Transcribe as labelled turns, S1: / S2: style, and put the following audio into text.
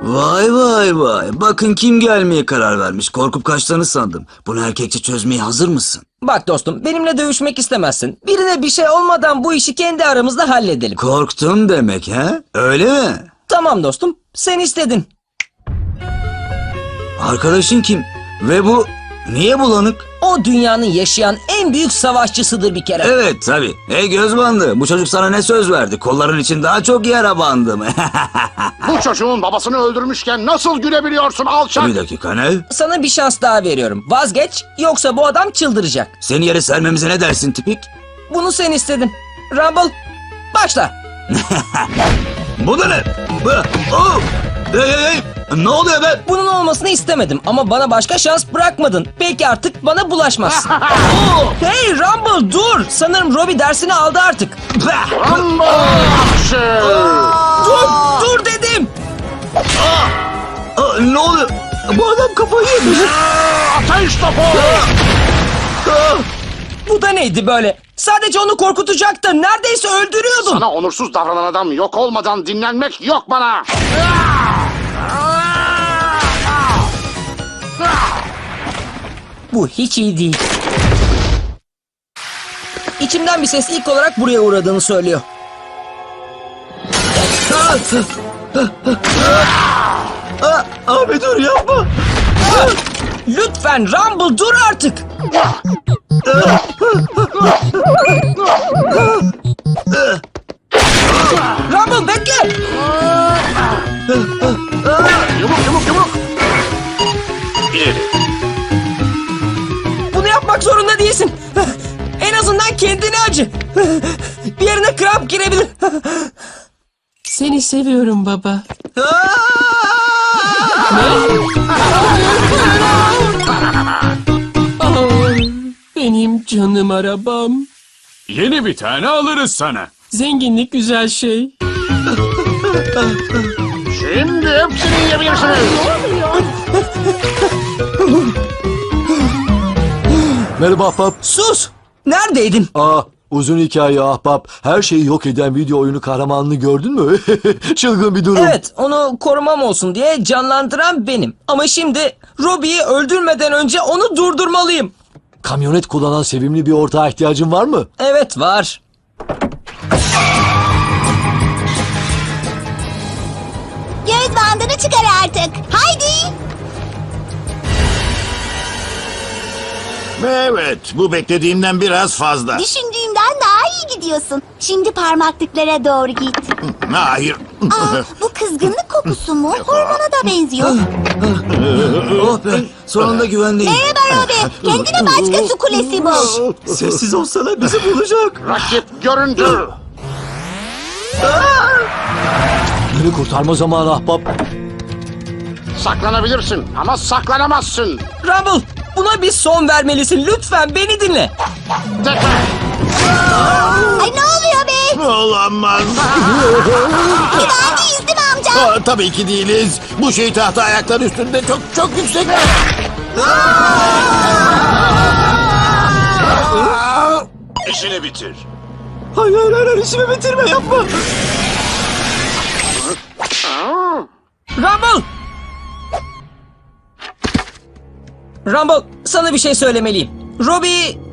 S1: Vay vay vay. Bakın kim gelmeye karar vermiş. Korkup kaçtığını sandım. Bunu erkekçe çözmeye hazır mısın?
S2: Bak dostum, benimle dövüşmek istemezsin. Birine bir şey olmadan bu işi kendi aramızda halledelim.
S1: Korktun demek he? Öyle mi?
S2: Tamam dostum, sen istedin.
S1: Arkadaşın kim? Ve bu niye bulanık?
S2: O dünyanın yaşayan en büyük savaşçısıdır bir kere.
S1: Evet tabii. Hey göz bandı. Bu çocuk sana ne söz verdi? Kolların için daha çok yara bandım.
S3: Bu çocuğun babasını öldürmüşken nasıl gülebiliyorsun alçak?
S1: Bir dakika ne?
S2: Sana bir şans daha veriyorum. Vazgeç, yoksa bu adam çıldıracak.
S1: Seni yere sermemize ne dersin tipik?
S2: Bunu sen istedin. Rumble, başla.
S1: Bu da ne? Oh! Hey! Ne oluyor be?
S2: Bunun olmasını istemedim ama bana başka şans bırakmadın. Belki artık bana bulaşmazsın. Hey Rumble dur. Sanırım Robbie dersini aldı artık.
S3: Rumble action!
S2: Dur dedim.
S1: Ne oluyor? Bu adam kafayı yemiş.
S3: Ateş topu!
S2: Bu da neydi böyle? Sadece onu korkutacaktın. Neredeyse öldürüyordun.
S3: Sana onursuz davranan adam yok olmadan dinlenmek yok bana.
S2: Bu hiç iyi değil. İçimden bir ses ilk olarak buraya uğradığını söylüyor.
S1: Abi dur yapma.
S2: Lütfen Rumble dur artık. Rumble bekle.
S3: Yumruk! İleri.
S2: Bunu yapmak zorunda değilsin. En azından kendine acı. Bir yerine kramp girebilir.
S4: Seni seviyorum baba. Oh, benim canım arabam.
S5: Yeni bir tane alırız sana.
S4: Zenginlik güzel şey.
S3: Şimdi hepsini yiyebilirsiniz.
S6: Merhaba ahbap.
S2: Sus. Neredeydin?
S6: Uzun hikaye ahbap. Her şeyi yok eden video oyunu kahramanını gördün mü? Çılgın bir durum.
S2: Evet, onu korumam olsun diye canlandıran benim. Ama şimdi Robbie'yi öldürmeden önce onu durdurmalıyım.
S6: Kamyonet kullanan sevimli bir ortağa ihtiyacın var mı?
S2: Evet, var.
S7: Göz bandını çıkar artık. Haydi.
S8: Evet, bu beklediğimden biraz fazla.
S7: Düşündüğümden daha iyi gidiyorsun. Şimdi parmaklıklara doğru git.
S8: Hayır.
S7: Bu kızgınlık kokusu mu? Hormona da benziyor.
S1: Oh be. Sonunda güvendeyim.
S7: Merhaba Robbie. Kendine başka su kulesi bul.
S1: Sessiz olsana bizi bulacak.
S3: Rakip göründü.
S6: Beni kurtarma zamanı ahbap.
S3: Saklanabilirsin ama saklanamazsın.
S2: Rumble, buna bir son vermelisin. Lütfen beni dinle.
S3: Tekrar.
S7: Ay ne oluyor be?
S8: Olamaz.
S7: Güvendeyiz değil mi amca?
S8: Tabii ki değiliz. Bu şey tahta ayaklar üstünde çok yüksek.
S5: İşini bitir.
S1: Hayır işimi bitirme yapma.
S2: Rumble! Rumble, sana bir şey söylemeliyim. Robbie